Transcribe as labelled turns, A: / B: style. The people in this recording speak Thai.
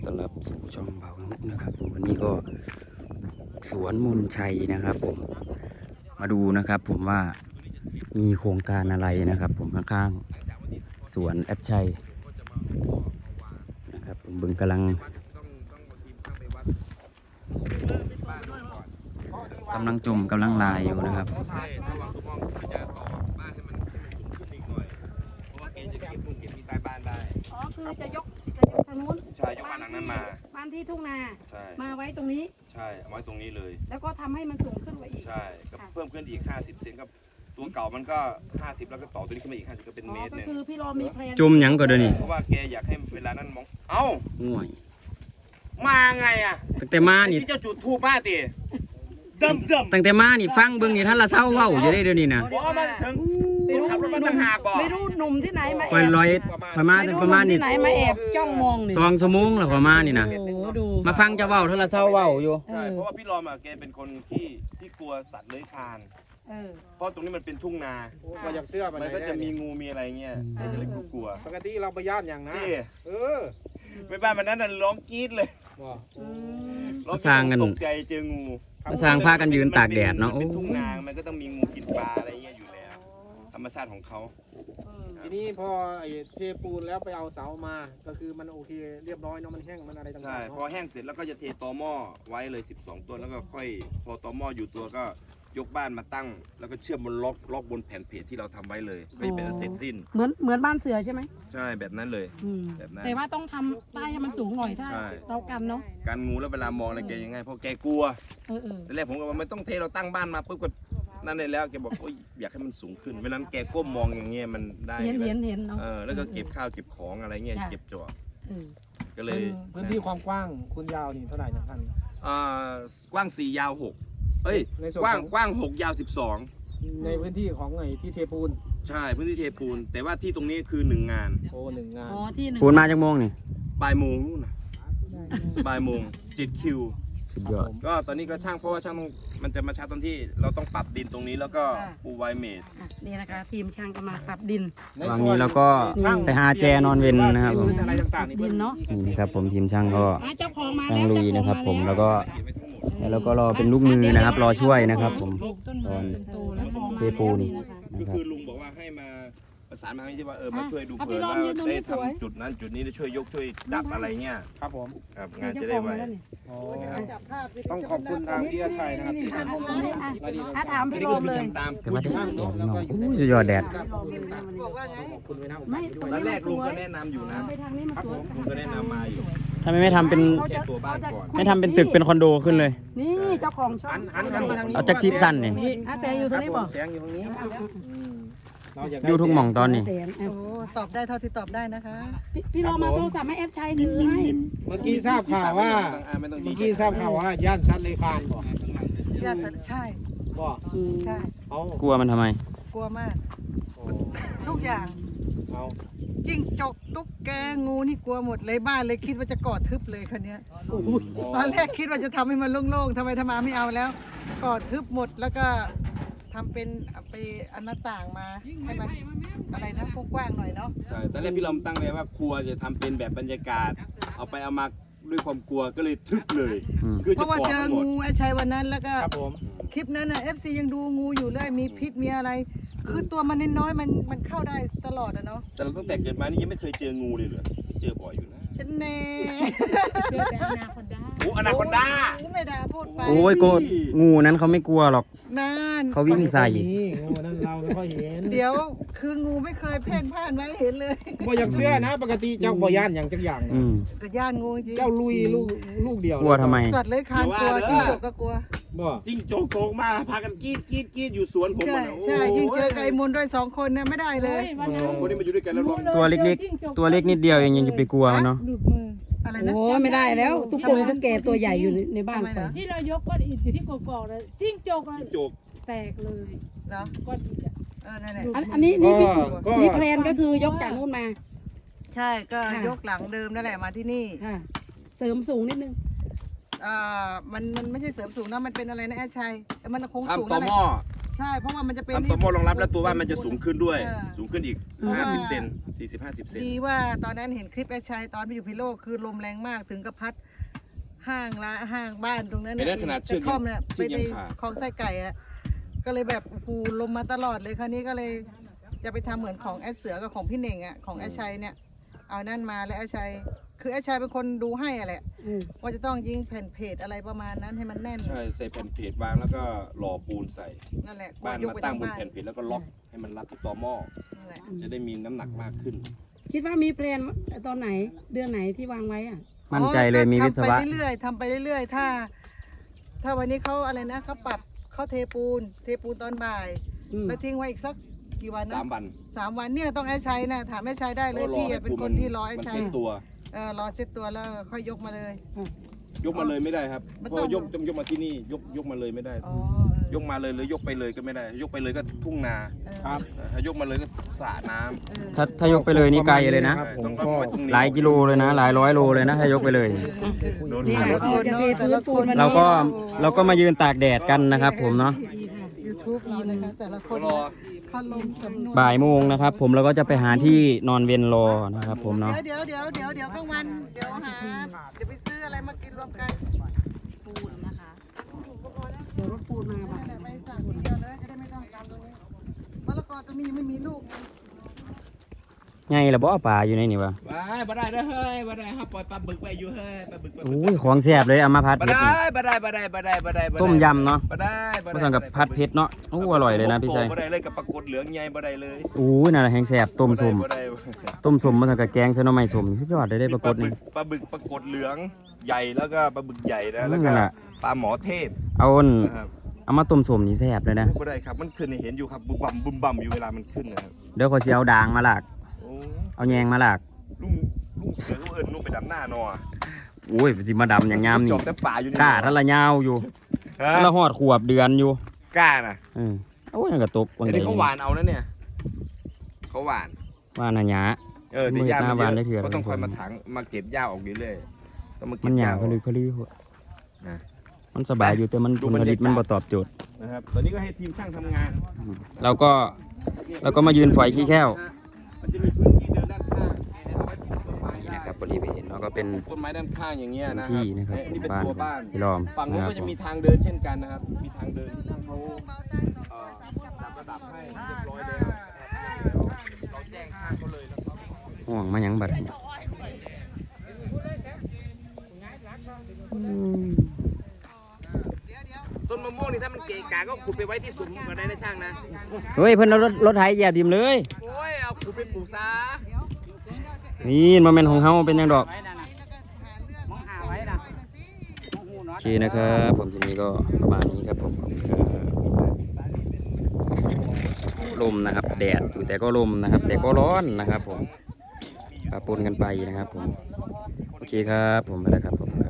A: ต้อนรับสู่ช่องเบานุนะครับผมวันนี้ก็สวนมนชัยนะครับผมมาดูนะครับผมว่ามีโครงการอะไรนะครับผมข้างๆสวนแอดชัยนะครับผมบึงกำลังลายอยู่นะครับ
B: อ๋อคือจะยกทางนู้น
C: ใช่ยกบ้านหลังนั้นมา
B: บ้านที่ทุ่งนา
C: ใช่
B: มาไว้ตรงนี้
C: ใช่เอาไว้ตรงนี้เลย
B: แล้วก็ทำให้มันสูงขึ้นกว่าอีก
C: ใช่ก็เพิ่มขึ้นอีก50เซนครับตัวเก่ามันก็50แล้วก็ต่อตัวนี้ขึ้นมาอีก50ก็เป็น
B: อ๋อ
C: เมตร
B: ก็
C: หนึง
B: คือพี่รอมีแพลน
A: จุ่มหยังก็เดี๋ยวนี้
C: เพราะว่าแกอยากให้เวลานั้นมองเอ้า
A: ง่วย
C: มาไงอ่ะ
A: ตั้งแต่มานี่
C: ที่เจ้าจุดทูบมาติดำ
A: ตั้งแต่มานี่ฟังเบิ่งนี่ท่านละเศร้าเว้าอยู่ได้เดี๋ยวนี้นะ
C: บอกมาถึงขับรถมาตั้งหากบอก
B: ไม่รู้หนุ่มที่ไหนมา
A: คอยลอยคอยมา
B: ไม่
A: แต่
B: รู้
A: ประ
B: ห
A: มา
B: นุ่
A: ณ
B: ม
A: นี่
B: ที่ไหนมาแอบจ้องมองนี่
A: 2 ชั่วโมงแล้วคอยมานี่นะ
B: โอ้โหดู
A: มาฟังเจะเว้าท่านละเศร้าเว้าอยู่
C: ใช่เพราะว่าพี่รอมอ่ะแกเป็นคนที่กลัวสัตว์เลื้อยคลาน
B: เออ
C: เพราะตรงนี้มันเป็นทุ่งนา
D: ว่าอยากเสื้อไป
C: มันก็จะมีงูมีอะไรเงี้ยแกจะเลยกลัว
D: ปกติเราไปย่านอย่างนะ
C: นี่
D: เออ
C: ไม่บ้านมันนั้นน่ะร้องกรี๊ดเลย
D: ว่า
B: อืม
C: ร้อง
A: สร้างกัน
C: ตกใจเจองู
A: มาสร้างผ้ากันยืนตากแดดเนาะ
C: มั
A: โอ้
C: เป็นทุ่งนามันก็ต้องมีงูกินปลาอะไรเงี้ยอยู่แล้ว ธรรมชาติของเขา
D: ทีนี้พอไอ้เทปูนแล้วไปเอาเสามา ก็คือมันโอเคเรียบร้อยเนาะมันแห้งมันอะไรต่างๆ
C: ใช่พอแห้งเสร็จแล้วก็จะเทตอหม้อไว้เลย12ต้นแล้วก็ค่อยพอตอหม้ออยู่ตัวก็ยกบ้านมาตั้ง แล้วก็เชื่อมบนล็อกบนแผ่นเพจที่เราทำไว้เลยก็จะเป็นเสร็จสิ้น
B: เหมือนบ้านเสือใช่ไหม
C: ใช่แบบนั้นเลย
B: อืม
C: แบบนั้น
B: แต่ว่าต้องทำป้ายให้มันสูงหน่อยถ้า
C: ใช่
B: เรากันเนาะ
C: การงูแล้วเวลามองอะไรแกยังไงเพราะแกกลัว
B: เออ
C: ตอนแรกผมก็ว่าไม่ต้องเทเราตั้งบ้านมาปุ๊บก็นั่นเลยแล้วแกบอกโอ้ยอยากให้มันสูงขึ้นเวลานั้นแกก้มมองอย่างเงี้ยมันได้
B: เห็นเนาะ
C: แล้วก็เก็บข้าวเก็บของอะไรเงี้ย
B: จ้ะ
C: เก็บจอบ
B: เออ
C: ก็เลย
D: พื้นที่ความกว้างคุณยาวนี่เท่าไหร่นะท่าน
C: กว้าง4ยาว6เอ้ย
D: ในส่วน
C: กว้าง
D: ของ
C: กว้าง6ยาว
D: ในพื้นที่ของไอ้ที่เทปูน
C: 12ใช่พื้นที่เทปูน แต่ว่าที่ตรงนี้คือ1งาน
D: โอ้หนึ่งงาน
B: อ๋อที่หนึ่ง
A: ปูนมาจากโมงนี่
C: บ่ายโมงนู่นนะบ่ายโมง7คิว
A: สุดยอด
C: ก็ตอนนี้ก็ช่างเพราะว่าช่างต้องมันจะมาช้าตอนที่เราต้องปรับดินตรงนี้แล้วก็ปูไวเมด
B: อ่ะนี่นะคะ ทีมช่างก็มาปรับดิน
A: วันนี้เราก็ไปหาแจนอนเวนนะครับผม
D: พื้นอะไรต่างๆนี่
B: ดินเนาะ
A: นี่นะครับผมทีมช่างก็
B: อ่ะเจ้าของมา
A: นั่
B: แล้
A: ง
B: ว
A: ลุย
B: เจ้าของ
A: นะครับ ผม
B: มา
A: แล้วก็แล้วก็รอเป็นลูกมือนะครับรอช่วยนะครับผม
B: ปลูกต้นไม้ต้นโตแล้วของมา
A: เทปูน
B: แล้วนะคะ
C: ก็คือลุงบอกว่าให้มาประสานมาให้ที่ว่ามาช่วยดู
B: อ่ะ
C: เผื่อ
B: พี่ลอง
C: ว่า
B: ยืนตรงนี้
C: ได้
B: สวย
C: ทำจุดนั้นจุดนี้ได้ช่วยยกช่วยดับอะไรเงี้ย
D: ครับผม
C: ครับงาน
B: เจ้า
C: จะ
B: ข
C: ได้
B: อง
C: ไว
B: มาแล้วนี่
D: โอ้ต้องขอบคุณทางพี่อาชัยนะครับที่ทำให้รายละเอียด
B: อ่ะถาม
C: อัน
B: พี่
C: นี้
B: โร
C: ก็
B: ม
C: คือ
B: เลย
C: ทำตาม
A: แต่ว่าแดดเนาะโอ้สุดยอดแดด
D: ขอบคุณไว้นะ
B: ไม่
C: ตอนแรกลุงก็แนะนำอยู่นะ
B: ไปทางนี้มาสวย
C: ลุงก็แนะนำมาอยู่
A: ทำไมไม่ทำเป็น
C: แค่ตัวบ้านก่อน
A: ไม่ทำเป็นตึกเป็นคอนโดขึ้นเลย
B: นี่เจ้าของช่อง
D: หันมาทางนี้
A: เอาจากซีซั่นนี่
B: อาแสงอยู่ตรงนี้บอก
D: แสงอยู่ตรงนี้เราอยาก
A: อยู่ทุกหม่องตอนนี้
B: แสงอ่ะ
E: โอ้ตอบได้เท่าที่ตอบได้นะคะ
B: พี่โรมมาโทรศัพท์ให้แอดชัยถือให้
D: เมื่อกี้ทราบข่าวว่า
C: ไม่ต้อง
D: เมื่อกี้ทราบข่าวว่าย่านซัดเลยคานบ่
E: ญาติสัตว์ใช่
D: บ่
E: ใช่
D: เอา
A: กลัวมันทำไม
E: กลัวมาก
D: โอ้
E: ทุกอย่าง
D: เอา
E: จิ้งจกตุ๊กแกงูนี่กลัวหมดเลยบ้านเลยคิดว่าจะก่อทึบเลยคันนี้ยตอนแรกคิดว่าจะทำให้มันโล่งๆทำไมทำมาไม่เอาแล้วก่อทึบหมดแล้วก็ทำเป็นไปอันหน้าต่างมาให้มันอะไรนะกว้างๆหน่อยเนาะ
C: ใช่ตอนแรกพี่ลอมตั้งไว้ว่าครัวจะทำเป็นแบบบรรยากาศ เอาไปเอามาด้วยความกลัวก็เลยทึบเลย
A: อืม
C: คือ
E: เพ
C: จะ
E: ราะว่า
C: ก่อ
E: เจอ
C: ทั้งหมด
E: งูไอ้ชัยวันนั้นแล้วก็
D: ครับผม
E: คลิปนั้นน่ะ FC ยังดูงูอยู่เลยมีพิษมีอะไร คือตัวมันน้อยๆมันเข้าได้ตลอดอะเนาะ
C: แต่เราตั้งแต่เกิดมานี่ยังไม่เคยเจองูเลยเหรอเจอบ่อยอยู่นะ
E: แน่
B: เจอแต่อนาคอนด้า
C: โอ้อนาคอนดา
E: ไม่ได้พูดไป
A: โอ้ยโกงูนั้นเขาไม่กลัวหรอก
E: นั่น
A: เขาวิ่งใส่
D: นี่งูนั่นเราไม่ค่อยเห็น
E: เดี๋ยวคืองูไม่เคยเพ่นพ่านไว้เห็นเลย
D: บ่อยากเสื้อนะ ปกติเจ้าบ่ย่านอย่างจักอย่าง
A: อื
D: นะ
A: ม
E: กระย่านงูจริง
D: เจ้าลุยลูกเดียว
A: กลัวทำไม
E: สัตว์เลยคานกลัวจิ้งจกก็กลัว
D: บ่
C: จิ้งโจกโกงมาพากันกรีดกรีดกรีดอยู่สวนผม
E: ใช่
C: อะนะ
E: ใช่
C: โอ้
E: ยิ่งเจอไก่มนด้วย2 คนนะไม่ได้เลย
C: สองคนนี้มาอยู่ด้วยกันแล้วร้อง
A: ตัวเล็กๆ ตัวเล็กนิดเดียวเองยังจะไปกลัวมันเนาะ
B: ดูดมือ
E: อะไรนะ
B: โอ้ไม่ได้แล้วตุ๊กโกงตุ๊กแกตัวใหญ่อยู่ในบ้าน
E: ทำไม
B: ไป
E: นะ
F: ที่เรายกก้อนอิฐอยู่ที่กอกๆเลยจิ้งจกอะ
C: จิ้งโจก
F: แตกเลย
E: เหรอ
F: ก้อนอิฐอะ
E: นั่นแหละ
B: อันนี้นี่พี่
D: ก็
B: นี่แพลนก็คือยกจากนู้นมา
E: ใช่ก็
B: ค่ะ
E: ยกหลังเดิมนั่นแหละมาที่นี่
B: ค่ะ เสริมสูงนิดนึง
E: มันไม่ใช่เสริมสูงนะมันเป็นอะไรนะแอดชัยแต่มันคงสูง
C: ทำต่อ
E: นั่นแห
C: หม้
E: ละ
C: อ
E: ใช่เพราะว่ามันจะเป็น
C: ทำต่อหม้อรองรับแล้วตัวบ้านมันจะสูงขึ้นด้วย
E: เออ
C: สูงขึ้นอีก 50 เซน40-50 เซน
E: ดีว่าตอนนั้นเห็นคลิปแอชชัยตอนไปอยู่พิโลกคือลมแรงมากถึงกับพัดห้างบ้านตรงนั้น
C: เห็นไหมขนาดเชือก
E: กระท่อมเนี่ย
C: เชื
E: ไป
C: อก
E: ใน
C: ยังขาด
E: คลองไส้ไก่อะก็เลยแบบโอ้โหลมมาตลอดเลยคราวนี้ก็เลยจะไปทำเหมือนของแอดเสือกับของพี่เน่งอะของแอชชัยเนี่ยเอานั่นมาแล้วแอชชัยคือแอชชัยเป็นคนดูให้อะแหละ
B: อืม
E: ว่าจะต้องยิงแผ่นเพจอะไรประมาณนั้นให้มันแน่น
C: ใช่ใส่แผ่นเพจวางแล้วก็หล่อปูนใส่
E: นั่นแหละ
C: บ้าน
E: ยก
C: มา
E: ไป
C: ตั้ง
E: ทาง
C: บน
E: บ้าน
C: แผ่นเพจแล้วก็ล็อกให้มันรับที่ต่อหม้อ
E: นั่นแหละ
C: จะได้มีน้ำหนักมากขึ้น
B: คิดว่ามีแพลนตอนไหนเดือนไหนที่วางไว้อ่ะ
A: มั่นใจเลยมีวิศวะ
E: ทำไปเรื่อยๆทำไปเรื่อยๆถ้าวันนี้เขาอะไรนะเขาปรับเขาเทปูนตอนบ่าย
B: อืม
E: แล้วทิ้งไว้อีกสักกี่วันนะ
C: 3 วัน
E: 3 วันเนี่ยต้องแอชชัยนะถามแอชชัยได้เลย
C: ก็รอ
E: พี่
C: ให้
E: อะเป็น
C: ปูน
E: คนที่รอแอช
C: มัน
E: ชัย
C: เซ็ตตัว
E: รอเซ็ตตัวแล้วค่อยยกมาเลย
C: ยกมาเลยไม่ได้ครับ
E: มัน
C: เพ
E: ต้อง
C: ราะยกต้องยกมาที่นี่ยกมาเลยไม่ได้
E: อ๋อย
C: กมาเลยหรือยกไปเลยก็ไม่ได้ ยกไปเลยก็ทุ่งนา
D: ครับ
C: ถ้ายกมาเลยก็สระน้ำ
A: ถ้ายกไปเลยนี่ไกลเลยนะ
C: ใช่ต้องเอาไว้ตรงนี้
A: หลายกิโลเลยนะ หลายร้อยโลเลยนะถ้ายกไปเลย
C: โดน
B: นี่
C: หา
B: ค่ะ
C: รถ
B: เราจะเทพื้นปูนวัน
A: เรา
B: นี้
A: ก็มายืนตากแดดกันนะครับผมเนาะ
E: YouTube เรานะคะแต่ละคน
C: รอ
E: พัดลมสำนวน
A: บ่ายโมงนะครับผมเราก็จะไปหาที่นอนเวียนรอนะครับผมเนาะ
E: เดี๋ยวกลางวันเดี๋ยวไปซื้ออะไรมากินรวมกัน
B: เดี๋ยวรถปูนมาบ่ะ
E: ไปสั่งทีเดียวเลยจะได้ไม่ต้องการตรงนี้มะละกอตัวนี้ยังไม่มีลูกไง
A: ไงล่ะบ่ป่าอยู่ในนี่วะ
C: บ่ได้เด้อเฮ้ยบ่ได้ครับปล่อยปลาบึกไปอยู่เฮ้ยปลาบึกไป
A: โอ้ยของแซ่บเลยเอามาพัด
C: บ่
A: เผ็ด
C: ได้
A: นี่
C: บ่ได้
A: ต้มยำเนาะ
C: บ่ได้
A: ผสมกับพัดเผ็ดเนาะโอ้อร่อยเลยนะพี่ชัย
C: บ่ได้เลยกับปลากดเหลืองใหญ่บ่ได้เลย
A: โอ้ยนั่นแหละแห้งแซ่บต้มส้ม
C: บ่ได้
A: ต้มส้มผสมกับแกงใส่หน่อไม้ส้มสุดยอดเลยได้ปรากฏนี่
C: ปลาบึกปลากดเหลืองใหญ่แล้วก็ปลาบึกใหญ่นะแล้ว
A: นั่
C: ก็
A: นแหละ
C: ปลาหมอเทพ
A: เอาอัน
C: นะครับ
A: เอามาต้มส้มนี่แซ่บเลยนะ
C: บ่ได้ครับมันขึ้นให้เห็นอยู่ครับบุมบั่มอยู่เวลามันขึ้นนะครับ
A: เดี๋ยวขอยสิเอาด่างมาลาก
C: โอ้
A: เอาแยงมาลาก
C: ลุงเสือเขาเอิ้นลุงไปดำหน้าหนอ
A: โอ้ยสิมาดำอย่างงาม
C: จ
A: นี่
C: อบแต่ป่าอยู่นี่
A: กล้าทันละยาวอยู่
C: ฮะ
A: ทันละหอดขวบเดือนอยู่
C: กล้าน่ะ
A: โอ้ยนั่นก็ตกวัน
C: ไอ้
A: ใด
C: นี่เขาหวานเอานะเนี่ยเขาหวาน
A: ว่าน่ะหยา
C: แต่หญ้า
A: มืดหน้า
C: มัน
A: หวาน
C: เย
A: ได้
C: อะ
A: เถื่อน
C: ก็ต้องคอยมาถังมาเก็บหญ้าออกอยู่เรื่อยต้องมาเก็
A: มั
C: บ
A: นห
C: ห
A: ยา
C: ญ้า
A: พลือพลือหัว
C: นะ
A: มันสบายอยู่แต่มัน
C: ดู
A: ผลผลิต
C: บรรยากาศ
A: มันบ่ตอบโจทย์
C: นะครับตอนนี้ก็ให้ทีมช่างทำงาน
A: เราก็มายืนฝอยขี้แค้ว
C: มันจะมีพื้นที่เดินด้านข้างเอาไว้ปลูกต้นไม้
A: นี่
C: ได้
A: นะครับบริเวณเราก็เป็น
C: ปลูกต้นไม้ด้านข้างอย่างเงี้ยนะครั
A: ที่นะครับ
C: นี่เป็น
A: บ้าน
C: ตัวบ้าน
A: พี่ล้อม
C: ฝั่งนู้น
A: นะครับ
C: ก็จะมีทางเดินเช่นกันนะครับ มีทางเดินที่ช่างเขาจัดระดับให้เรียบร้อยแล้วนะครับเราแจ้งช่างเขาเลยแล้วเขา
A: ห่วงมาหยังบัดนี้
C: ต้นมะม่วงนี่ถ้ามันเกะกะก็ขุดไปไว้ที่สุมก็ได้นะช่างนะ
A: เฮ้ยเพิ่นเอารถไถเหยียบดิมเลย
C: โอ้ยเอาขุดไปปลูกซะ
A: นี่มันเป็นของเฮาเป็นหยังดอกโอเคนะครับผมทีนี้ก็ประมาณนี้ครับผมขอบคุณครับลมนะครับแดดอยู่แต่ก็ลมนะครับ แต่ก็ร้อนนะครับผมปะปนกันไปนะครับผมโอเคครับผมไปแล้วครับผม